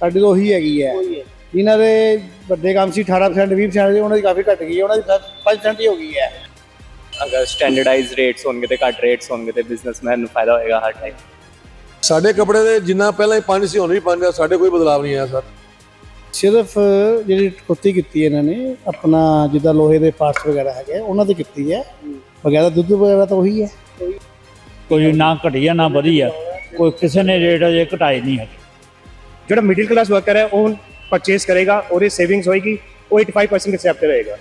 ਸਾਡੀ ਤਾਂ ਉਹੀ ਹੈਗੀ ਹੈ। ਜਿਨ੍ਹਾਂ ਦੇ ਵੱਡੇ ਕੰਮ ਸੀ 18% 20% ਦੇ, ਉਹਨਾਂ ਦੀ ਕਾਫੀ ਘਟ ਗਈ ਹੈ, ਉਹਨਾਂ ਦੀ 5% ਹੀ ਹੋ ਗਈ ਹੈ। ਅਗਰ ਸਟੈਂਡਰਡਾਈਜ਼ਡ ਰੇਟਸ ਹੋਣਗੇ ਤੇ ਘੱਟ ਰੇਟਸ ਹੋਣਗੇ ਤੇ ਬਿਜ਼ਨਸਮੈਨ ਨੂੰ ਫਾਇਦਾ ਹੋਏਗਾ ਹਰ ਟਾਈਮ। ਸਾਡੇ ਕੱਪੜੇ ਦੇ ਜਿੰਨਾ ਪਹਿਲਾਂ ਹੀ ਪੰਜ ਸੀ ਹੁਣ ਵੀ ਪੰਜ ਆ, ਸਾਡੇ ਕੋਈ ਬਦਲਾਵ ਨਹੀਂ ਆਇਆ ਸਰ। ਸਿਰਫ ਜਿਹੜੀ ਕਟੌਤੀ ਕੀਤੀ ਹੈ ਇਹਨਾਂ ਨੇ ਆਪਣਾ ਜਿੱਦਾਂ ਲੋਹੇ ਦੇ ਪਾਰਟਸ ਵਗੈਰਾ ਹੈਗੇ ਉਹਨਾਂ ਤੇ ਕੀਤੀ ਹੈ, ਵਗੈਰਾ ਦੁੱਧ ਵਗੈਰਾ ਤਾਂ ਉਹੀ ਹੈ। ਕੋਈ ਨਾ ਘਟੀਆ ਨਾ ਵਧੀਆ, ਕੋਈ ਕਿਸੇ ਨੇ ਰੇਟ ਅਜੇ ਘਟਾਏ ਨਹੀਂ ਹੈ। ਜਿਹੜਾ ਮਿਡਲ ਕਲਾਸ ਵਰਕਰ ਹੈ ਉਹ ਪਰਚੇਸ ਕਰੇਗਾ, ਉਹਦੀ ਸੇਵਿੰਗਸ ਹੋਏਗੀ, ਉਹ 85% ਐਕਸੈਪਟ ਰਹੇਗਾ।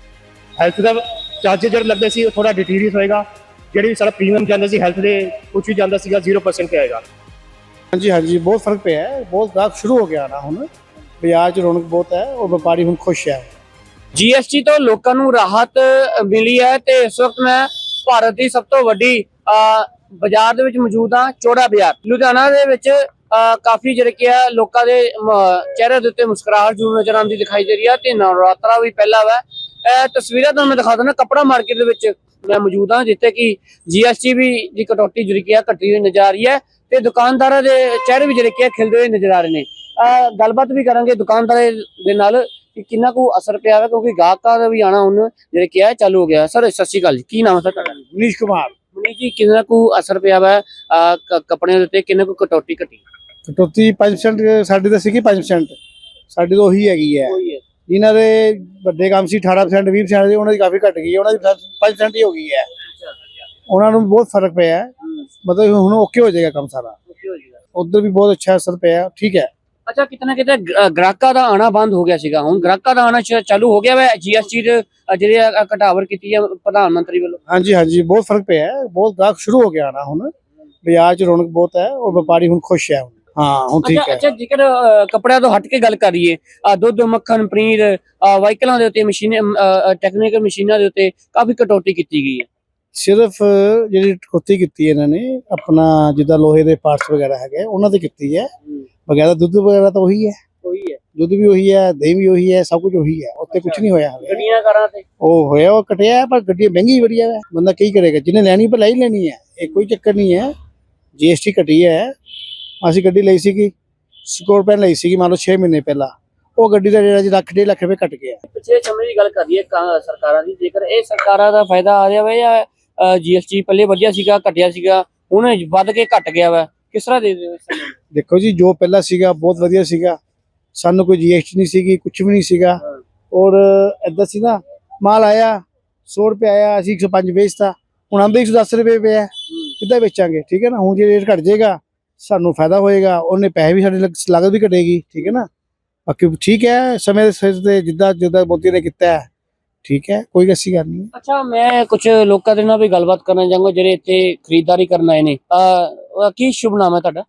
ਹੈਲਥ ਦਾ ਚਾਰਜਰ ਜਿਹੜਾ ਲੱਗਦਾ ਸੀ ਉਹ ਥੋੜਾ ਡਿਟੀਰੀਅਸ ਹੋਏਗਾ, ਜਿਹੜੀ ਵੀ ਸਾਡਾ ਪ੍ਰੀਮੀਅਮ ਜਾਂਦਾ ਸੀ ਹੈਲਥ ਦੇ ਕੁਝ ਵੀ ਜਾਂਦਾ ਸੀਗਾ 0% ਤੇ ਆਏਗਾ। ਹਾਂਜੀ ਹਾਂਜੀ ਬਹੁਤ ਫਰਕ ਪਿਆ ਹੈ, ਬਹੁਤ ਗਾਹਕ ਸ਼ੁਰੂ ਹੋ ਗਿਆ ਨਾ, ਹੁਣ ਬਾਜ਼ਾਰ 'ਚ ਰੌਣਕ ਬਹੁਤ ਹੈ, ਉਹ ਵਪਾਰੀ ਹੁਣ ਖੁਸ਼ ਹੈ। जीएसटी ਤੋਂ ਲੋਕਾਂ ਨੂੰ ਰਾਹਤ ਮਿਲੀ ਹੈ ਤੇ ਇਸ ਵਕਤ ਮੈਂ ਭਾਰਤ ਦੀ ਸਭ ਤੋਂ ਵੱਡੀ ਬਾਜ਼ਾਰ ਦੇ ਵਿੱਚ ਮੌਜੂਦ ਹਾਂ, ਚੌੜਾ ਬਾਜ਼ਾਰ ਲੁਧਿਆਣਾ ਦੇ ਵਿੱਚ। ਕਾਫੀ ਜਿਹੜੇ ਕਿ ਲੋਕਾਂ ਦੇ ਚਿਹਰੇ ਦੇ ਉੱਤੇ ਮੁਸਕਰਾਹਟ ਜ਼ਰੂਰ ਨਜ਼ਰ ਆਉਂਦੀ ਦਿਖਾਈ ਦੇ ਰਹੀ ਹੈ ਤੇ ਨਵਰਾਤਰਾ ਵੀ ਪਹਿਲਾ ਵਾ। ਤਸਵੀਰਾਂ ਤੁਹਾਨੂੰ ਮੈਂ ਦਿਖਾ ਦਿੰਦਾ, ਕੱਪੜਾ ਮਾਰਕੀਟ ਦੇ ਵਿੱਚ ਮੈਂ ਮੌਜੂਦ ਹਾਂ, ਜਿੱਥੇ ਕਿ GST ਵੀ ਦੀ ਕਟੌਤੀ ਜਿਹੜੀ ਕਿ ਘਟੀ ਹੋਈ ਨਜ਼ਰ ਆ ਰਹੀ ਹੈ ਤੇ ਦੁਕਾਨਦਾਰਾਂ ਦੇ ਚਿਹਰੇ ਵੀ ਜਿਹੜੇ ਕਿ ਖਿਲਦੇ ਹੋਏ ਨਜ਼ਰ ਆ ਰਹੇ ਨੇ। ਗੱਲਬਾਤ ਵੀ ਕਰਾਂਗੇ ਦੁਕਾਨਦਾਰਾਂ ਦੇ ਨਾਲ ਕਿ ਕਿੰਨਾ ਕੁ ਅਸਰ ਪਿਆ ਹੈ, ਕਿਉਂਕਿ ਗਾਹਕਾਂ ਦਾ ਵੀ ਆਣਾ ਹੁਣ ਜਿਹੜੇ ਕਿ ਚਾਲੂ ਹੋ ਗਿਆ। ਸਰ ਸਤਿ ਸ਼੍ਰੀ ਅਕਾਲ ਜੀ, ਕੀ ਨਾਮ ਹੈ ਸਰ ਤੁਹਾਡਾ? ਮਨੀਸ਼ ਕੁਮਾਰ। ਮਨੀਸ਼ ਜੀ, ਕਿੰਨਾ ਕੁ ਅਸਰ ਪਿਆ ਵਾ ਕੱਪੜਿਆਂ ਦੇ ਉੱਤੇ, ਕਿੰਨਾ ਕੁ ਕਟੌਤੀ ਘਟੀ? ਕਟੌਤੀ 5% ਸਾਡੀ ਤਾਂ ਸੀਗੀ 5%, ਸਾਡੀ ਤਾਂ ਉਹੀ ਹੈਗੀ ਹੈ। ਜਿਨ੍ਹਾਂ ਦੇ ਵੱਡੇ ਕੰਮ ਸੀ 18% 20% ਦੇ, ਉਹਨਾਂ ਦੀ ਕਾਫੀ ਘਟ ਗਈ ਹੈ, ਉਹਨਾਂ ਦੀ 5% ਹੀ ਹੋ ਗਈ ਹੈ। ਉਹਨਾਂ ਨੂੰ ਬਹੁਤ ਫਰਕ ਪਿਆ ਹੈ, ਮਤਲਬ ਹੁਣ ਓਕੇ ਹੋ ਜਾਏਗਾ ਕੰਮ ਸਾਰਾ। ਉਧਰ ਵੀ ਬਹੁਤ ਅੱਛਾ ਅਸਰ ਪਿਆ, ਠੀਕ ਹੈ। ਅੱਛਾ, ਕਿਤਨਾ ਕਿਤੇ ਗ੍ਰਾਹਕਾਂ ਦਾ ਆਣਾ ਬੰਦ ਹੋ ਗਿਆ ਸੀਗਾ, ਹੁਣ ਗ੍ਰਾਹਕਾਂ ਦਾ ਆਣਾ ਚਾਲੂ ਹੋ ਗਿਆ ਵਾ GST ਦੇ ਜਿਹੜੇ ਘਟਾਵਰ ਕੀਤੀ ਹੈ ਪ੍ਰਧਾਨ ਮੰਤਰੀ ਵੱਲੋਂ? ਹਾਂਜੀ ਹਾਂਜੀ ਬਹੁਤ ਫਰਕ ਪਿਆ ਹੈ, ਬਹੁਤ ਗਾਹਕ ਸ਼ੁਰੂ ਹੋ ਗਿਆ ਨਾ, ਹੁਣ ਬਾਜ਼ਾਰ 'ਚ ਰੌਣਕ ਬਹੁਤ ਹੈ, ਉਹ ਵਪਾਰੀ ਹੁਣ ਖੁਸ਼ ਹੈ। ਹਾਂ ਹੁਣ ਠੀਕ ਹੈ। ਅੱਛਾ, ਜੇਕਰ ਕੱਪੜਿਆਂ ਤੋਂ ਹਟ ਕੇ ਗੱਲ ਕਰੀਏ, ਦੁੱਧ, ਮੱਖਣ, ਪਨੀਰ, ਵਾਹੀਕਲਾਂ ਦੇ ਉੱਤੇ ਟੈਕਨੀਕਲ ਮਸ਼ੀਨਾਂ ਦੇ ਉੱਤੇ ਕਾਫੀ ਕਟੌਤੀ ਕੀਤੀ ਗਈ ਹੈ। ਸਿਰਫ ਜਿਹੜੀ ਕਟੌਤੀ ਕੀਤੀ ਹੈ ਇਹਨਾਂ ਨੇ ਆਪਣਾ ਜਿੱਦਾਂ ਲੋਹੇ ਦੇ ਪਾਰਟਸ ਵਗੈਰਾ ਹੈਗੇ ਉਹਨਾਂ ਤੇ ਕੀਤੀ ਹੈ, ਵਗੈਰਾ ਦੁੱਧ ਵਗੈਰਾ ਤਾਂ ਉਹੀ ਹੈ। ਦੁੱਧ ਵੀ ਉਹੀ ਹੈ, ਦਹੀਂ ਵੀ ਉਹੀ ਹੈ, ਸਭ ਕੁਝ ਉਹੀ ਹੈ, ਉੱਤੇ ਕੁਝ ਨਹੀਂ ਹੋਇਆ। ਗੱਡੀਆਂ ਕਾਰਾਂ ਤੇ ਉਹ ਹੋਇਆ, ਉਹ ਕਟਿਆ ਹੈ, ਪਰ ਗੱਡੀ ਮਹਿੰਗੀ ਬੜੀ ਹੈ, ਬੰਦਾ ਕੀ ਕਰੇਗਾ, ਜਿਹਨੇ ਲੈਣੀ ਪਰ ਲੈ ਹੀ ਲੈਣੀ ਹੈ, ਇਹ ਕੋਈ ਚੱਕਰ ਨਹੀਂ ਹੈ। GST ਘਟੀ ਹੈ, ਅਸੀਂ ਗੱਡੀ ਲਈ ਸੀਗੀ ਸਕੋਰਪੀਓ ਲਈ ਸੀਗੀ, ਮੰਨ ਲਓ 6 ਮਹੀਨੇ ਪਹਿਲਾਂ, ਉਹ ਗੱਡੀ ਦਾ ਜਿਹੜਾ ਜੀ ਲੱਖ 1.5 ਲੱਖ ਰੁਪਏ ਘਟ ਗਿਆ। ਪਿਛਲੇ ਸਮੇਂ ਦੀ ਗੱਲ ਕਰੀਏ ਸਰਕਾਰਾਂ ਦੀ, ਜੇਕਰ ਇਹ ਸਰਕਾਰਾਂ ਦਾ ਫਾਇਦਾ ਆ ਰਿਹਾ ਵਾ ਜਾਂ GST ਪਹਿਲੇ ਵਧੀਆ ਸੀਗਾ ਘਟਿਆ ਸੀਗਾ ਹੁਣ ਵੱਧ ਕੇ ਘਟ ਗਿਆ ਵਾ, ਕਿਸ ਤਰ੍ਹਾਂ ਦੇ ਦਿਓ? ਦੇਖੋ ਜੀ, ਜੋ ਪਹਿਲਾਂ ਸੀਗਾ ਬਹੁਤ ਵਧੀਆ ਸੀਗਾ, ਸਾਨੂੰ ਕੋਈ GST ਨਹੀਂ ਸੀਗੀ, ਕੁਝ ਵੀ ਨਹੀਂ ਸੀਗਾ, ਔਰ ਏਦਾਂ ਸੀ ਨਾ, ਮਾਲ ਆਇਆ 100 ਰੁਪਏ ਆਇਆ, ਅਸੀਂ 105 ਵੇਚਤਾ, ਹੁਣ ਆਂਦੇ 110 ਰੁਪਏ ਪਿਆ, ਕਿੱਦਾਂ ਵੇਚਾਂਗੇ? ਠੀਕ ਹੈ ਨਾ, ਹੁਣ ਜੇ ਰੇਟ ਘਟ ਜਾਏਗਾ ਸਾਨੂੰ ਫਾਇਦਾ ਹੋਏਗਾ, ਉਹਨੇ ਪੈਸੇ ਵੀ ਸਾਡੇ ਲਾਗਤ ਵੀ ਘਟੇਗੀ, ਠੀਕ ਹੈ ਨਾ। ਬਾਕੀ ਠੀਕ ਹੈ, ਸਮੇਂ ਦੇ ਸਿਰ ਤੇ ਜਿੱਦਾਂ ਮੋਦੀ ਨੇ ਕੀਤਾ ਹੈ, ਠੀਕ ਹੈ, ਕੋਈ ਐਸੀ ਗੱਲ ਨਹੀਂ। ਅੱਛਾ, ਮੈਂ ਕੁਝ ਲੋਕਾਂ ਦੇ ਨਾਲ ਵੀ ਗੱਲਬਾਤ ਕਰਨਾ ਚਾਹਾਂਗਾ ਜਿਹੜੇ ਇੱਥੇ ਖਰੀਦਦਾਰੀ ਕਰਨ ਆਏ ਨੇ। ਕੀ ਸ਼ੁਭ ਨਾਮ ਹੈ ਤੁਹਾਡਾ?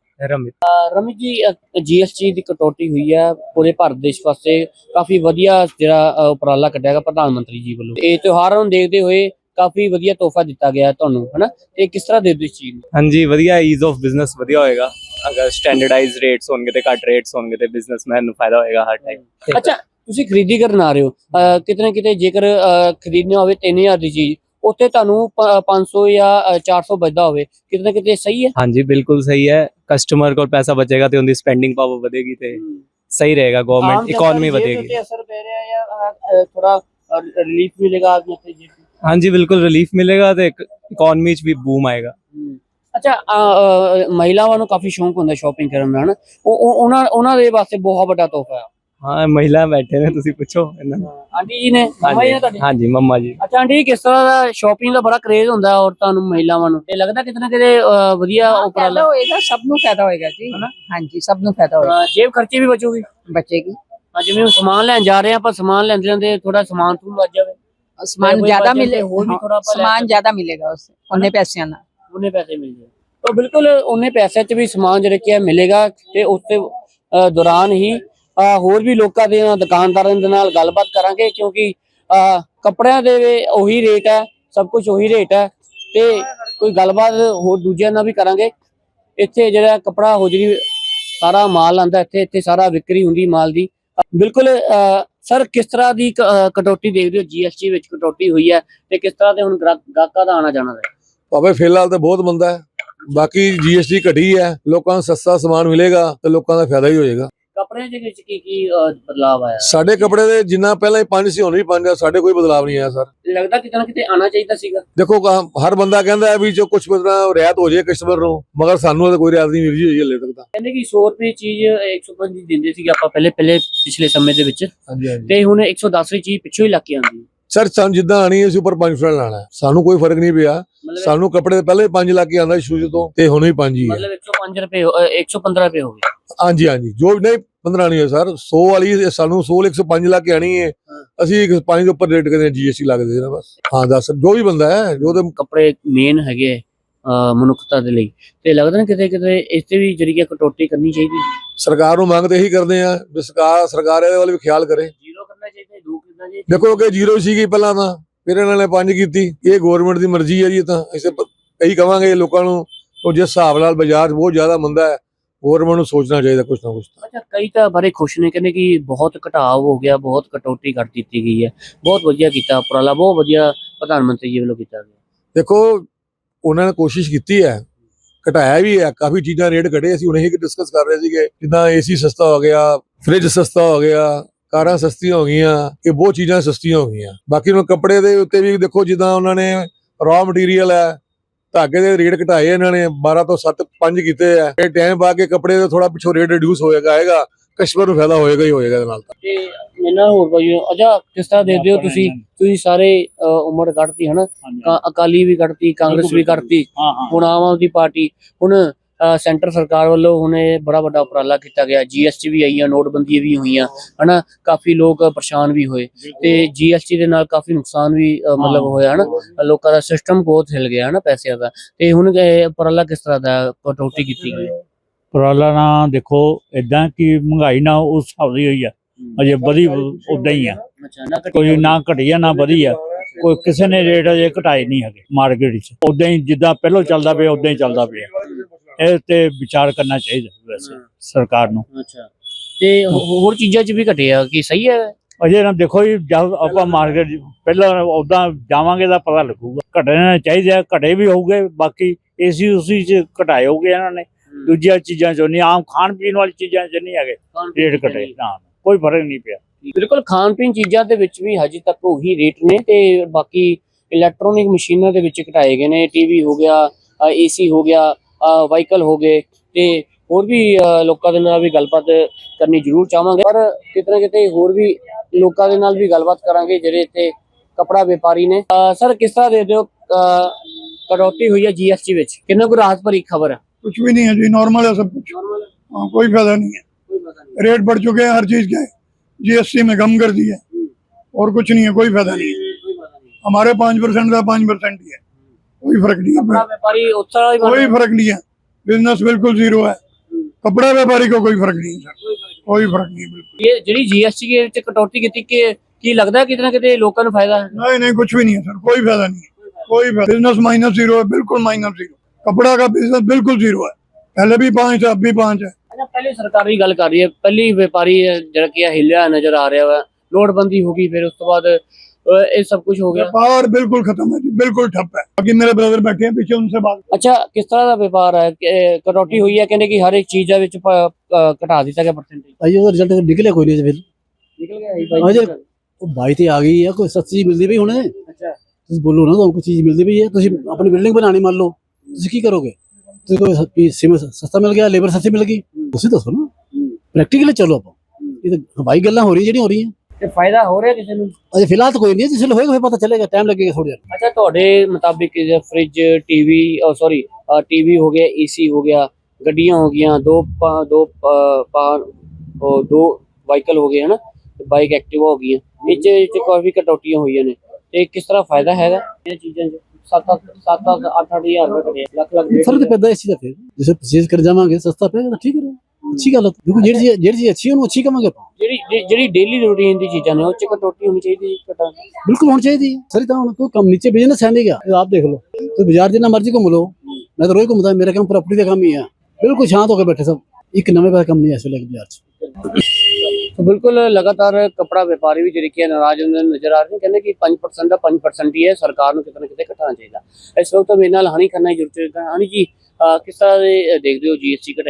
ਰਮਿਤ ਜੀ, GST ਦੀ ਕਟੌਤੀ ਹੋਈ ਹੈ ਪੂਰੇ ਭਾਰਤ ਦੇਸ਼ ਵਾਸਤੇ, ਕਾਫੀ ਵਧੀਆ ਜਿਹੜਾ ਉਪਰਾਲਾ ਕੱਢਿਆ ਗਿਆ ਪ੍ਰਧਾਨ ਮੰਤਰੀ ਜੀ ਵੱਲੋਂ। ਇਹ ਤਿਉਹਾਰਾਂ ਨੂੰ ਦੇਖਦੇ ਹੋਏ ਕਾਫੀ ਵਧੀਆ ਤੋਹਫਾ ਦਿੱਤਾ ਗਿਆ ਤੁਹਾਨੂੰ, ਹਨਾ? ਇਹ ਕਿਸ ਤਰ੍ਹਾਂ ਦੇ ਦਿਓ ਇਸ ਚੀਜ਼ ਨੂੰ? ਹਾਂਜੀ, ਵਧੀਆ, ਈਜ਼ ਆਫ ਬਿਜ਼ਨਸ ਵਧੀਆ ਹੋਏਗਾ। ਅਗਰ ਸਟੈਂਡਰਡਾਈਜ਼ਡ ਰੇਟਸ ਹੋਣਗੇ ਤੇ ਘੱਟ ਰੇਟਸ ਹੋਣਗੇ ਤੇ ਬਿਜ਼ਨਸਮੈਨ ਨੂੰ ਫਾਇਦਾ ਹੋਏਗਾ ਹਰ ਟਾਈਮ। ਅੱਛਾ, ਤੁਸੀਂ ਖਰੀਦੀ ਕਰਨ ਆ ਰਹੇ ਹੋ, ਕਿਤੇ ਨਾ ਕਿਤੇ ਜੇਕਰ ਖਰੀਦਣੀ ਹੋਵੇ 3000 ਦੀ ਚੀਜ਼, ਉੱਥੇ ਤੁਹਾਨੂੰ 500 ਜਾਂ 400 ਬਚਦਾ ਹੋਵੇ, ਕਿਤੇ ਨਾ ਕਿਤੇ ਸਹੀ ਹੈ? ਹਾਂਜੀ, ਬਿਲਕੁਲ ਸਹੀ ਹੈ। ਕਸਟਮਰ ਕੋਲ ਪੈਸਾ ਬਚੇਗਾ ਤੇ ਉਹਦੀ ਸਪੈਂਡਿੰਗ ਪਾਵਰ ਵਧੇਗੀ ਤੇ ਸਹੀ ਰਹੇਗਾ, ਗਵਰਨਮੈਂਟ ਇਕਨੋਮੀ ਵਧੇਗੀ। ਅਸਰ ਪੈ ਰਿਹਾ ਜਾਂ ਥੋੜਾ ਰਿਲੀਫ ਮਿਲੇਗਾ ਆਦਮੀ ਤੇ ਜੀ? ਹਾਂਜੀ, ਬਿਲਕੁਲ ਰਿਲੀਫ ਮਿਲੇਗਾ ਤੇ ਇਕਨੋਮੀ 'ਚ ਵੀ ਬੂਮ ਆਏਗਾ। ਅੱਛਾ, ਮਹਿਲਾਵਾਂ ਨੂੰ ਕਾਫੀ ਸ਼ੌਂਕ ਹੁੰਦਾ ਸ਼ਾਪਿੰਗ ਕਰਨ ਦਾ, ਹਨਾ? ਉਹਨਾਂ ਦੇ ਵਾਸਤੇ ਬਹੁਤ ਵੱਡਾ ਤੋਹਫਾ ਹੈ। ਹਾਂ, ਮਹਿਲਾ ਬੈਠੇ ਨੇ, ਤੁਸੀਂ ਪੁੱਛੋ ਇਹਨਾਂ ਨੂੰ। ਆਂਟੀ ਜੀ ਨੇ, ਮੰਮਾ ਜੀ ਨੇ ਤੁਹਾਡੇ? ਹਾਂਜੀ, ਮੰਮਾ ਜੀ। ਅੱਛਾ ਆਂਟੀ, ਕਿਸ ਤਰ੍ਹਾਂ ਦਾ ਸ਼ਾਪਿੰਗ ਦਾ ਬੜਾ ਕਰੇਜ਼ ਹੁੰਦਾ ਔਰਤਾਂ ਨੂੰ, ਮਹਿਲਾਵਾਂ ਨੂੰ, ਤੇ ਲੱਗਦਾ ਕਿਤੇ ਨਾ ਕਿਤੇ ਵਧੀਆ ਉਪਰਾਲਾ ਹੋਏਗਾ, ਸਭ ਨੂੰ ਫਾਇਦਾ ਹੋਏਗਾ ਜੀ, ਹਾਂਜੀ, ਸਭ ਨੂੰ ਫਾਇਦਾ ਹੋਏਗਾ। ਜੇਬ ਖਰਚੇ ਵੀ ਬਚੂਗੀ? ਬਚੇਗੀ। ਜਿਵੇਂ ਹੁਣ ਸਮਾਨ ਲੈਣ ਜਾ ਰਹੇ ਆ, ਆਪਾਂ ਸਮਾਨ ਲੈਂਦੇ ਥੋੜਾ ਸਮਾਨ ਤੋਂ ਬਚ ਜਾਵੇ, ਸਮਾਨ ਜ਼ਿਆਦਾ ਮਿਲੇ, ਹੋਰ ਵੀ ਥੋੜਾ ਸਮਾਨ ਜ਼ਿਆਦਾ ਮਿਲੇਗਾ ਉਸ ਉਹਨੇ ਪੈਸਿਆਂ ਨਾਲ, ਉਹਨੇ ਪੈਸੇ ਮਿਲ ਜਾਏ ਤਾਂ ਬਿਲਕੁਲ ਉਹਨੇ ਪੈਸੇ 'ਚ ਵੀ ਸਮਾਨ ਜਿਹੜਾ ਕੀ ਮਿਲੇਗਾ। ਤੇ ਉਸ ਤੇ ਦੌਰਾਨ ਹੀ ਹੋਰ ਵੀ ਲੋਕਾਂ ਦੇ ਦੁਕਾਨਦਾਰਾਂ ਦੇ ਨਾਲ ਗੱਲਬਾਤ ਕਰਾਂਗੇ, ਕਿਉਂਕਿ ਕੱਪੜਿਆਂ ਦੇ ਉਹੀ ਰੇਟ ਹੈ, ਸਭ ਕੁਝ ਉਹੀ ਰੇਟ ਹੈ, ਤੇ ਕੋਈ ਗੱਲਬਾਤ ਹੋਰ ਦੂਜਿਆਂ ਨਾਲ ਵੀ ਕਰਾਂਗੇ। ਇੱਥੇ ਜਿਹੜਾ ਕੱਪੜਾ ਹੋਜਰੀ ਸਾਰਾ ਮਾਲ ਆਂਦਾ, ਇੱਥੇ ਸਾਰਾ ਵਿਕਰੀ ਹੁੰਦੀ ਮਾਲ ਦੀ। ਬਿਲਕੁਲ ਸਰ, ਕਿਸ ਤਰ੍ਹਾਂ ਦੀ ਕਟੌਤੀ ਦੇਖਦੇ ਹੋ? GST ਵਿੱਚ ਕਟੌਤੀ ਹੋਈ ਹੈ ਤੇ ਕਿਸ ਤਰ੍ਹਾਂ ਦੇ ਹੁਣ ਗਾਹਕਾਂ ਦਾ ਆਣਾ ਜਾਣਾ ਹੈ? ਭਾਵੇਂ ਫਿਲਹਾਲ ਤਾਂ ਬਹੁਤ ਮੰਦਾ ਹੈ, ਬਾਕੀ GST ਘਟੀ ਹੈ, ਲੋਕਾਂ ਨੂੰ ਸਸਤਾ ਸਮਾਨ ਮਿਲੇਗਾ ਤੇ ਲੋਕਾਂ ਦਾ ਫਾਇਦਾ ਹੀ ਹੋਏਗਾ। ਕੱਪੜਿਆਂ ਦੇ ਵਿੱਚ ਕੀ ਬਦਲਾਅ ਆਇਆ? ਸਾਡੇ ਕੱਪੜੇ ਦੇ ਜਿੰਨਾ ਪਹਿਲਾਂ ਹੀ 5 ਸੀ ਹੁਣ ਵੀ 5 ਆ, ਸਾਡੇ ਕੋਈ ਬਦਲਾਵ ਨਹੀਂ ਆਇਆ ਸਰ। ਲੱਗਦਾ ਕਿਤੇ ਨਾ ਕਿਤੇ ਆਣਾ ਚਾਹੀਦਾ ਸੀਗਾ। ਦੇਖੋ ਹਰ ਬੰਦਾ ਕਹਿੰਦਾ ਹੈ ਵੀ ਜੋ ਕੁਝ ਬਦਲਾ ਰਿਆਇਤ ਹੋ ਜਾਏ ਕਸਟਮਰ ਨੂੰ, ਮਗਰ ਸਾਨੂੰ ਤਾਂ ਕੋਈ ਰਿਆਇਤ ਨਹੀਂ ਮਿਲੀ ਹੋਈ ਹਲੇ ਤੱਕ ਤਾਂ। ਕਹਿੰਦੇ ਕਿ 100 ਰੁਪਏ ਚੀਜ਼ 105 ਦੀ ਦਿੰਦੇ ਸੀਗੇ ਆਪਾਂ ਪਹਿਲੇ ਪਿਛਲੇ ਸਮੇਂ ਦੇ ਵਿੱਚ, ਹਾਂਜੀ ਹਾਂਜੀ ਤੇ ਹੁਣ 110 ਦੀ ਚੀਜ਼ ਪਿੱਛੋਂ ਹੀ ਲੱਗ ਕੇ ਆਉਂਦੀ ਹੈ। ਸਰ ਸਾਨੂੰ ਜਿੱਦਾਂ ਆਣੀ ਹੈ ਅਸੀਂ ਉੱਪਰ 5% ਲਾਣਾ ਹੈ, ਸਾਨੂੰ ਕੋਈ ਫਰਕ ਨਹੀਂ ਪਿਆ। ਮਤਲਬ ਸਾਨੂੰ ਕੱਪੜੇ ਪਹਿਲੇ 5 ਲੱਗ ਕੇ ਆਉਂਦਾ ਸ਼ੁਰੂ ਤੋਂ, ਤੇ ਹੁਣ ਵੀ 5 ਹੀ ਹੈ। ਮਤਲਬ 105 ਰੁਪਏ 115 ਰੁਪਏ ਹੋ ਗਏ। ਹਾਂਜੀ ਹਾਂਜੀ ਜੋ ਵੀ ਨਹੀਂ 15 ਨਹੀਂ ਹੈ ਸਰ, 100 ਵਾਲੀ ਸਾਨੂੰ 100 105 ਲੱਗ ਕੇ ਆਣੀ ਹੈ, ਅਸੀਂ 5 ਦੇ ਉੱਪਰ ਰੇਟ ਕਰਦੇ GST ਲੱਗਦੇ ਨੇ ਬਸ। ਹਾਂ ਦੱਸ ਜੋ ਵੀ ਬੰਦਾ ਹੈ ਜੋ ਤੇ ਕੱਪੜੇ ਮੇਨ ਹੈਗੇ ਮਨੁੱਖਤਾ ਦੇ ਲਈ, ਤੇ ਲੱਗਦਾ ਨਾ ਕਿਤੇ ਕਿਤੇ ਇਸ ਤੇ ਵੀ ਜਿਹੜੀ ਕਟੌਤੀ ਕਰਨੀ ਚਾਹੀਦੀ। ਸਰਕਾਰ ਨੂੰ ਮੰਗ ਤੇ ਇਹੀ ਕਰਦੇ ਆ ਵੀ ਸਰਕਾਰ ਇਹਦੇ ਵੱਲ ਵੀ ਖਿਆਲ ਕਰੇ। ਜ਼ੀਰੋ ਕਰਨਾ ਚਾਹੀਦਾ, ਦੋ ਕਰਨਾ ਚਾਹੀਦਾ। ਦੇਖੋ ਕਿ 0 ਸੀਗੀ ਪਹਿਲਾਂ ਤਾਂ, ਫਿਰ ਇਹਨਾਂ ਨੇ 5 ਕੀਤੀ। ਇਹ ਗਵਰਨਮੈਂਟ ਦੀ ਮਰਜ਼ੀ ਹੈ ਜੀ। ਤਾਂ ਅਸੀਂ ਇਹੀ ਕਵਾਂਗੇ ਲੋਕਾਂ ਨੂੰ, ਉਹ ਜਿਸ ਹਿਸਾਬ ਨਾਲ ਬਾਜ਼ਾਰ ਬਹੁਤ ਜ਼ਿਆਦਾ ਮੰਦਾ ਹੈ, ਗਵਰਨਮੈਂਟ ਨੂੰ ਸੋਚਣਾ ਚਾਹੀਦਾ ਕੁਛ ਨਾ ਕੁਛ। ਅੱਛਾ, ਕਈ ਤਾਂ ਬੜੇ ਖੁਸ਼ ਨੇ, ਕਹਿੰਦੇ ਕਿ ਬਹੁਤ ਘਟਾਅ ਹੋ ਗਿਆ, ਬਹੁਤ ਕਟੌਤੀ ਕਰ ਦਿੱਤੀ ਗਈ ਹੈ, ਬਹੁਤ ਵਧੀਆ ਕੀਤਾ ਉਪਰਾਲਾ, ਬਹੁਤ ਵਧੀਆ ਪ੍ਰਧਾਨ ਮੰਤਰੀ ਜੀ ਵੱਲੋਂ ਕੀਤਾ ਗਿਆ। ਦੇਖੋ ਉਹਨਾਂ ਨੇ ਕੋਸ਼ਿਸ਼ ਕੀਤੀ ਹੈ, ਘਟਾਇਆ ਵੀ ਹੈ, ਕਾਫੀ ਚੀਜ਼ਾਂ ਰੇਟ ਘਟੇ। ਅਸੀਂ ਹੁਣ ਇਹੀ ਡਿਸਕਸ ਕਰ ਰਹੇ ਸੀਗੇ, ਜਿੱਦਾਂ AC ਸਸਤਾ ਹੋ ਗਿਆ, ਫ੍ਰਿਜ ਸਸਤਾ ਹੋ ਗਿਆ, ਕਾਰਾਂ ਸਸਤੀਆਂ ਹੋ ਗਈਆਂ, ਇਹ ਬਹੁਤ ਚੀਜ਼ਾਂ ਸਸਤੀਆਂ ਹੋ ਗਈਆਂ। ਬਾਕੀ ਹੁਣ ਕੱਪੜੇ ਦੇ ਉੱਤੇ ਵੀ ਦੇਖੋ, ਜਿੱਦਾਂ ਉਹਨਾਂ ਨੇ ਰॉ ਮਟੀਰੀਅਲ ਹੈ, ਧਾਗੇ ਦੇ ਰੇਟ ਘਟਾਏ ਇਹਨਾਂ ਨੇ, 12 ਤੋਂ 5 ਕੀਤੇ ਆ। ਇਹ ਟਾਈਮ ਪਾ ਕੇ ਕੱਪੜੇ ਦਾ ਥੋੜਾ ਪਿੱਛੋਂ ਰੇਟ ਰਿਡਿਊਸ ਹੋਏਗਾ, ਆਏਗਾ, ਕਸਟਮਰ ਨੂੰ ਫਾਇਦਾ ਹੋਏਗਾ ਹੀ ਹੋਏਗਾ ਇਹਦੇ ਨਾਲ। ਤੇ ਮੈਨਾਂ ਹੋਰ ਭਾਈ ਅਜਾ ਕਿਸ ਤਰ੍ਹਾਂ ਦੇਖਦੇ ਹੋ ਤੁਸੀਂ ਸਾਰੇ ਉਮਰ ਕੱਢਤੀ ਹਨਾ, ਅਕਾਲੀ ਵੀ ਕੱਢਤੀ, ਕਾਂਗਰਸ ਵੀ ਕੱਢਤੀ, ਹੁਣ ਆਮ ਆਦਮੀ ਪਾਰਟੀ, ਹੁਣ ਸੈਂਟਰ ਸਰਕਾਰ ਵੱਲੋਂ ਹੁਣ ਇਹ ਬੜਾ ਵੱਡਾ ਉਪਰਾਲਾ ਕੀਤਾ ਗਿਆ, GST ਵੀ ਆਈਆਂ, ਨੋਟਬੰਦੀ ਵੀ ਹੋਈਆਂ ਹਨਾ, ਕਾਫੀ ਲੋਕ ਪਰੇਸ਼ਾਨ ਵੀ ਹੋਏ, ਤੇ GST ਦੇ ਨਾਲ ਕਾਫੀ ਨੁਕਸਾਨ ਵੀ ਮਤਲਬ ਹੋਇਆ ਹਨਾ, ਲੋਕਾਂ ਦਾ ਸਿਸਟਮ ਬਹੁਤ ਹਿਲ ਗਿਆ ਹਨਾ ਪੈਸਿਆਂ ਦਾ। ਤੇ ਹੁਣ ਇਹ ਉਪਰਾਲਾ ਕਿਸ ਤਰ੍ਹਾਂ ਦਾ ਕਟੌਤੀ ਕੀਤੀ ਗਈ? ਉਪਰਾਲਾ ਨਾ ਦੇਖੋ ਇਦਾਂ ਕਿ ਮਹਿੰਗਾਈ ਨਾ ਉਸ ਹਿਸਾਬ ਦੀ ਹੋਈ ਆ, ਅਜੇ ਵਧੀ ਉਦਾਂ ਹੀ ਆ, ਕੋਈ ਨਾ ਘਟਿਆ ਨਾ ਵਧੀ ਆ, ਕੋਈ ਕਿਸੇ ਨੇ ਰੇਟ ਅਜੇ ਘਟਾਏ ਨਹੀਂ ਹੈਗੇ ਮਾਰਕੀਟ ਵਿੱਚ, ਉਦਾਂ ਹੀ ਜਿੱਦਾਂ ਪਹਿਲਾਂ ਚੱਲਦਾ ਪਿਆ ਉਦਾਂ ਹੀ ਚੱਲਦਾ ਪਿਆ। ਇਹ ਤੇ ਵਿਚਾਰ ਕਰਨਾ ਚਾਹੀਦਾ ਵੈਸੇ ਸਰਕਾਰ ਨੂੰ। ਅੱਛਾ, ਤੇ ਹੋਰ ਚੀਜ਼ਾਂ 'ਚ ਵੀ ਘਟਿਆ ਕਿ ਸਹੀ ਹੈ? ਅਜੇ ਨਾ ਦੇਖੋ ਜੀ, ਜਦ ਆਪਾਂ ਮਾਰਕੀਟ ਪਹਿਲਾਂ ਉਦਾਂ ਜਾਵਾਂਗੇ ਤਾਂ ਪਤਾ ਲੱਗੂਗਾ। ਘਟਣੇ ਚਾਹੀਦੇ, ਘਟੇ ਵੀ ਹੋਊਗੇ, ਬਾਕੀ AC ਉਸੀ 'ਚ ਘਟਾਏ ਹੋਗੇ ਇਹਨਾਂ ਨੇ, ਦੂਜੀਆਂ ਚੀਜ਼ਾਂ 'ਚੋਂ ਨਹੀਂ, ਆਮ ਖਾਣ ਪੀਣ ਵਾਲੀ ਚੀਜ਼ਾਂ 'ਚ ਨਹੀਂ ਹੈਗੇ ਰੇਟ ਘਟੇ, ਨਾ ਕੋਈ ਫਰਕ ਨਹੀਂ ਪਿਆ। ਬਿਲਕੁਲ, ਖਾਣ ਪੀਣ ਚੀਜ਼ਾਂ ਦੇ ਵਿੱਚ ਵੀ ਹਜੇ ਤੱਕ ਉਹੀ ਰੇਟ ਨੇ, ਤੇ ਬਾਕੀ ਇਲੈਕਟ੍ਰੋਨਿਕ ਮਸ਼ੀਨਾਂ ਦੇ ਵਿੱਚ ਘਟਾਏ ਗਏ ਨੇ, TV ਹੋ ਗਿਆ, AC ਹੋ ਗਿਆ, ਵਾਹੀਕਲ ਹੋ ਗਏ, ਤੇ ਹੋਰ ਵੀ ਲੋਕਾਂ ਦੇ ਨਾਲ ਵੀ ਗੱਲਬਾਤ ਕਰਨੀ ਜ਼ਰੂਰ ਚਾਹਾਂਗੇ, ਪਰ ਕਿਤੇ ਨਾ ਕਿਤੇ ਹੋਰ ਵੀ ਲੋਕਾਂ ਦੇ ਨਾਲ ਵੀ ਗੱਲਬਾਤ ਕਰਾਂਗੇ ਜਿਹੜੇ ਇੱਥੇ ਕਪੜਾ ਵਪਾਰੀ ਨੇ। ਸਰ, ਕਿਸ ਤਰ੍ਹਾਂ ਦੇ ਦਿਓ ਕਟੌਤੀ ਹੋਈ ਹੈ GST ਵਿੱਚ, ਕਿੰਨਾ ਕੁ ਰਾਹਤ ਭਰੀ ਖबर है? कुछ भी नहीं है जी, नॉर्मल है सब कुछ। हाँ, कोई फायदा नहीं है, रेट बढ़ चुके हैं हर चीज के, GST में कम कर दिया और कुछ नहीं है, कोई फायदा नहीं है। हमारे 5% था, 5% ही है, कोई फर्क नहीं है, व्यापारी कोई फर्क नहीं है, बिजनेस बिल्कुल जीरो है, कपड़ा व्यापारी को कोई फर्क नहीं है सर, कोई फर्क नहीं है बिल्कुल। ये ਜਿਹੜੀ GST के ਵਿੱਚ ਕਟੌਤੀ ਕੀਤੀ ਕਿ ਕੀ ਲੱਗਦਾ ਕਿਤੇ ਨਾ ਕਿਤੇ ਲੋਕਾਂ ਨੂੰ ਫਾਇਦਾ ਹੈ? नहीं नहीं, कुछ भी नहीं है सर, कोई फायदा नहीं है, कोई बिजनेस माइनस जीरो है, बिल्कुल माइनस जीरो। कपड़ा का बिजनेस बिल्कुल जीरो है, पहले भी 5 था, अब भी 5 है। अच्छा, पहले सरकार की गल कर रही है, पहली व्यापारी जरा कि हिलिया नजर आ रहा है, नोटबंदी होगी, फिर उस तो बाद ये सब कुछ हो गया, व्यापार बिल्कुल खत्म है जी, बिल्कुल ठप है। बाकी मेरे ब्रदर बैठे हैं पीछे, उनसे बात। अच्छा, किस तरह का व्यापार है? कटौती हुई है, कहने की हर एक चीज ਵਿੱਚ ਘਟਾ ਦਿੱਤਾ ਗਿਆ परसेंटेज? ਭਾਈ ਉਹਦਾ ਰਿਜ਼ਲਟ ਨਿਕਲਿਆ ਕੋਈ ਨਹੀਂ ਫਿਰ। ਨਿਕਲ ਗਿਆ ਅਜੇ ਉਹ 22 ਤੇ ਆ ਗਈ ਆ, ਕੋਈ ਸਸਤੀ ਮਿਲਦੀ ਪਈ ਹੁਣ। ਅੱਛਾ, ਤੁਸੀਂ ਬੋਲੋ ਨਾ, ਤੁਹਾਨੂੰ ਕੋਈ ਚੀਜ਼ ਮਿਲਦੀ ਪਈ ਹੈ, ਤੁਸੀਂ ਆਪਣੀ ਬਿਲਡਿੰਗ ਬਣਾਣੀ ਮੰਨ ਲਓ, ਤੁਸੀਂ ਕੀ ਕਰੋਗੇ? ਤੁਸੀਂ ਕੋਈ ਸਿਮ ਸਸਤਾ ਮਿਲ ਗਿਆ, ਲੇਬਰ ਸਸਤੀ ਮਿਲ ਗਈ, ਤੁਸੀਂ ਦੱਸੋ ਨਾ, ਪ੍ਰੈਕਟੀਕਲੀ ਚਲੋ ਆਪਾਂ। ਇਹ ਤਾਂ ਹਵਾਈ ਗੱਲਾਂ ਹੋ ਰਹੀਆਂ ਜਿਹੜੀਆਂ ਹੋ ਰਹੀਆਂ, ਤੇ ਫਾਇਦਾ ਹੋ ਰਿਹਾ ਕਿਸੇ ਨੂੰ? ਅਜੇ ਫਿਲਹਾਲ ਤਾਂ ਕੋਈ ਨਹੀਂ, ਜਿਸ ਵੇਲੇ ਹੋਏਗਾ ਫਿਰ ਪਤਾ ਚੱਲੇਗਾ, ਟਾਈਮ ਲੱਗੇਗਾ ਥੋੜਾ ਜਿਹਾ। ਅੱਛਾ, ਤੁਹਾਡੇ ਮੁਤਾਬਿਕ ਫ੍ਰਿਜ, TV ਹੋ ਗਿਆ, AC ਹੋ ਗਿਆ, ਗੱਡੀਆਂ ਹੋ ਗਈਆਂ, ਦੋ ਵਾਹੀਕਲ ਹੋ ਗਏ ਹਨਾ, ਬਾਈਕ ਐਕਟਿਵਾ ਹੋ ਗਈਆਂ, ਇਹ 'ਚ ਕਾਫੀ ਕਟੌਤੀਆਂ ਹੋਈਆਂ ਨੇ, ਤੇ ਕਿਸ ਤਰ੍ਹਾਂ ਫਾਇਦਾ ਹੈਗਾ ਇਹ ਚੀਜ਼ਾਂ 'ਚ? 7-8 ਹਜ਼ਾਰ ਰੁਪਏ ਲੱਖ ਫਰਕ ਪੈਂਦਾ ਇਸ ਚੀਜ਼ ਦਾ। ਫਿਰ ਜਿਸੇ ਪਰਚੇਜ਼ ਕਰ ਜਾਵਾਂਗੇ ਸਸਤਾ ਪਏਗਾ ਤਾਂ ਠੀਕ ਹੈ, ਅੱਛੀ ਗੱਲ ਹੈ। ਦੇਖੋ ਜਿਹੜੀ ਚੀਜ਼ ਅੱਛੀ ਉਹਨੂੰ ਅੱਛੀ ਕਵਾਂਗੇ ਆਪਾਂ। ਜਿਹੜੀ ਡੇਲੀ ਰੂਟੀਨ ਦੀ ਚੀਜ਼ਾਂ ਨੇ ਉਹ 'ਚ ਕਟੌਤੀ ਹੋਣੀ ਚਾਹੀਦੀ, ਬਿਲਕੁਲ ਹੋਣੀ ਚਾਹੀਦੀ ਹੈ ਸਰ। ਤਾਂ ਹੁਣ ਕੋਈ ਕੰਮ ਨੀਚੇ ਬਿਜ਼ਨਸ ਹੈ ਨਹੀਂ ਗਾ, ਆਪ ਦੇਖ ਲਓ, ਤੁਸੀਂ ਬਾਜ਼ਾਰ ਜਿੰਨਾ ਮਰਜ਼ੀ ਘੁੰਮ ਲਓ, ਮੈਂ ਤਾਂ ਰੋਜ਼ ਘੁੰਮਦਾ, ਮੇਰਾ ਕੰਮ ਪ੍ਰਾਪਰਟੀ ਦਾ ਕੰਮ ਹੀ ਹੈ, ਬਿਲਕੁਲ ਸ਼ਾਂਤ ਹੋ ਕੇ ਬੈਠੇ ਸਭ, ਇੱਕ ਨਵੇਂ ਪਾਸੇ ਕੰਮ ਨਹੀਂ ਇਸ ਵੇਲੇ ਬਾਜ਼ਾਰ 'ਚ। तो बिल्कुल लगातार कपड़ा व्यापारी भी ਜਿਹੜੇ नाराज नजर आ रहे हैं, कहने कि 5% का 5% ही है, सरकार ਨੂੰ ਕਿਤੇ ਨਾ ਕਿਤੇ ਘਟਾਉਣਾ ਚਾਹੀਦਾ। ਇਸ ਵਕਤ ਮੇਰੇ ਨਾਲ ਹਾਨੀ ਖੰਨਾ ਜੁੜ ਚੁੱਕਾ। ਹਾਨੀ ਜੀ, ਕਿਸ ਤਰ੍ਹਾਂ ਦੇ ਦੇਖਦੇ ਹੋ GST ਘਟਾਈ?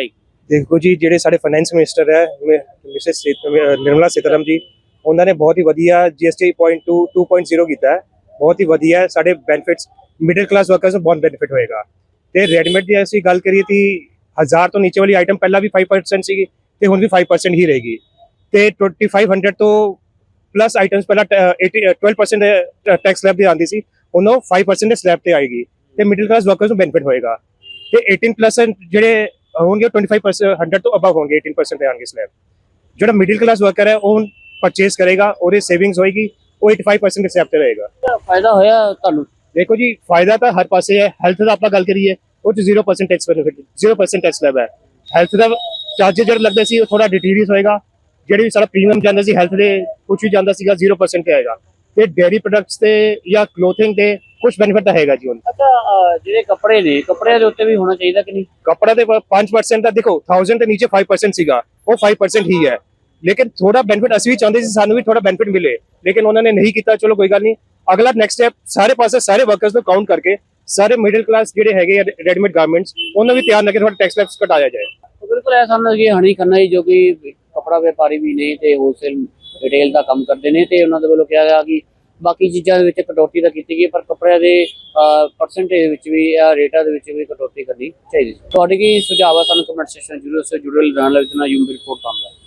ਦੇਖੋ ਜੀ, ਜਿਹੜੇ ਸਾਡੇ ਫਾਈਨੈਂਸ ਮਿਨਿਸਟਰ ਹੈ ਮਿਸਿਸ ਨਿਰਮਲਾ ਸੀਤਾਰਮਨ ਜੀ, ਉਹਨਾਂ ਨੇ ਬਹੁਤ ਹੀ ਵਧੀਆ GST 2.0 ਕੀਤਾ ਹੈ। ਬਹੁਤ ਹੀ ਵਧੀਆ ਹੈ। ਸਾਡੇ ਬੈਨੀਫਿਟਸ ਮਿਡਲ ਕਲਾਸ ਵਰਕਰਸ ਨੂੰ ਬਹੁਤ ਬੈਨੀਫਿਟ ਹੋਏਗਾ। ਤੇ ਰੈਡੀਮੇਡ ਦੀ ਅਸੀਂ ਗੱਲ ਕਰੀਏ ਤਾਂ 1000 ਤੋਂ ਨੀਚੇ ਵਾਲੀ ਆਈਟਮ ਪਹਿਲਾਂ ਵੀ 5% ਸੀਗੀ ਤੇ ਹੁਣ ਵੀ 5% ਹੀ ਰਹੇਗੀ। ਤੇ 2500 ਤੋਂ ਪਲੱਸ ਆਈਟਮਸ ਪਹਿਲਾਂ 12% ਟੈਕਸ ਸਲੈਬ ਦੀ ਆਉਂਦੀ ਸੀ, ਹੁਣ ਉਹ 5% ਦੇ ਸਲੈਬ ਤੇ ਆਏਗੀ ਤੇ ਮਿਡਲ ਕਲਾਸ ਵਰਕਰਸ ਨੂੰ ਬੈਨੀਫਿਟ ਹੋਏਗਾ। ਤੇ 18% ਜਿਹੜੇ ਹੋਣਗੇ 25% ਤੋਂ ਅਬਵ ਹੋਣਗੇ, 18% ਤੇ ਆਣਗੇ ਸਲੈਬ। ਜਿਹੜਾ ਮਿਡਲ ਕਲਾਸ ਵਰਕਰ ਹੈ ਉਹ ਪਰਚੇਸ ਕਰੇਗਾ, ਉਹਦੀ ਸੇਵਿੰਗਸ ਹੋਏਗੀ, ਉਹ 85% ਦੇ ਸਲੈਬ ਤੇ ਰਹੇਗਾ। ਫਾਇਦਾ ਹੋਇਆ ਤੁਹਾਨੂੰ? ਦੇਖੋ ਜੀ, ਫਾਇਦਾ ਤਾਂ ਹਰ ਪਾਸੇ ਹੈ। ਹੈਲਥ ਦਾ ਆਪਾਂ ਗੱਲ ਕਰੀਏ, ਉਹ 'ਚ 0% ਟੈਕਸ ਬੈਨੀਫਿਟ, 0% ਟੈਕਸ ਸਲੈਬ ਹੈ। ਹੈਲਥ ਦਾ ਚਾਰਜਰ ਜਿਹੜਾ ਲੱਗਦਾ ਸੀ ਉਹ ਥੋੜਾ ਡਿਟੀਰੀਅਸ ਹੋਏਗਾ। ਜਿਹੜੇ ਵੀ ਸਾਡਾ ਪ੍ਰੀਮੀਅਮ ਜਾਂਦਾ ਸੀ ਹੈਲਥ ਦੇ, ਕੁਝ ਵੀ ਜਾਂਦਾ ਸੀਗਾ 0% ਤੇ ਆਏਗਾ। ਤੇ ਡੇਅਰੀ ਪ੍ਰੋਡਕਟਸ ਤੇ ਜਾਂ ਕਲੋਥਿੰਗ ਤੇ ਕੁਝ ਬੈਨੀਫਿਟ ਤਾਂ ਹੈਗਾ ਜੀ ਹੁਣ। ਅੱਛਾ, ਜਿਹੜੇ ਕੱਪੜੇ ਨੇ, ਕੱਪੜਿਆਂ ਦੇ ਉੱਤੇ ਵੀ ਹੋਣਾ ਚਾਹੀਦਾ ਕਿ ਨਹੀਂ? ਕੱਪੜਾ ਦੇ 5% ਦਾ ਦੇਖੋ, 1000 ਦੇ ਨੀਚੇ 5% ਸੀਗਾ, ਉਹ 5% ਹੀ ਹੈ। ਲੇਕਿਨ ਥੋੜਾ ਬੈਨੀਫਿਟ ਅਸੀਂ ਵੀ ਚਾਹੁੰਦੇ ਸੀ, ਸਾਨੂੰ ਵੀ ਥੋੜਾ ਬੈਨੀਫਿਟ ਮਿਲੇ, ਲੇਕਿਨ ਉਹਨਾਂ ਨੇ ਨਹੀਂ ਕੀਤਾ। ਚਲੋ ਕੋਈ ਗੱਲ ਨਹੀਂ, ਅਗਲਾ ਨੈਕਸਟ ਸਟੈਪ ਸਾਰੇ ਪਾਸੇ ਸਾਰੇ ਵਰਕਰਸ ਨੂੰ ਕਾਊਂਟ ਕਰਕੇ ਸਾਰੇ ਮਿਡਲ ਕਲਾਸ ਜਿਹੜੇ ਹੈਗੇ ਰੈਡੀਮੇਡ ਗਾਰਮੈਂਟਸ, ਉਹਨਾਂ ਵੀ ਧਿਆਨ ਰੱਖੇ ਥੋੜਾ ਟੈਕਸ ਲੈਕਸ ਘਟਾਇਆ ਜਾਏ। ਬਿਲਕੁਲ ਇਹ ਸਾਨੂੰ ਕਿ ਹਣੀ ਖੰਨਾ ਜੀ, ਜੋ ਕਿ ਕੱਪੜਾ ਵਪਾਰੀ ਵੀ ਨੇ ਤੇ ਹੋਲਸੇਲ ਰਿਟੇਲ ਦਾ ਕੰਮ ਕਰਦੇ ਨੇ, ਤੇ ਉਹਨਾਂ ਦੇ ਵੱਲੋਂ ਕਿਹਾ ਗਿਆ ਕਿ ਬਾਕੀ ਚੀਜ਼ਾਂ ਦੇ ਵਿੱਚ ਕਟੌਤੀ ਤਾਂ ਕੀਤੀ ਗਈ, ਪਰ ਕੱਪੜਿਆਂ ਦੇ ਪਰਸੈਂਟੇਜ ਵਿੱਚ ਵੀ ਜਾਂ ਰੇਟਾਂ ਦੇ ਵਿੱਚ ਵੀ ਕਟੌਤੀ ਕਰਨੀ ਚਾਹੀਦੀ। ਤੁਹਾਡੇ ਕੀ ਸੁਝਾਅ ਆ? ਸਾਨੂੰ ਕਮੈਂਟ ਸੈਕਸ਼ਨ ਜ਼ਰੂਰ ਜੁੜੇ ਰਹਿਣ ਲਈ। ਯੂਮ ਰਿਪੋਰਟ ਪਾਉਂਦਾ।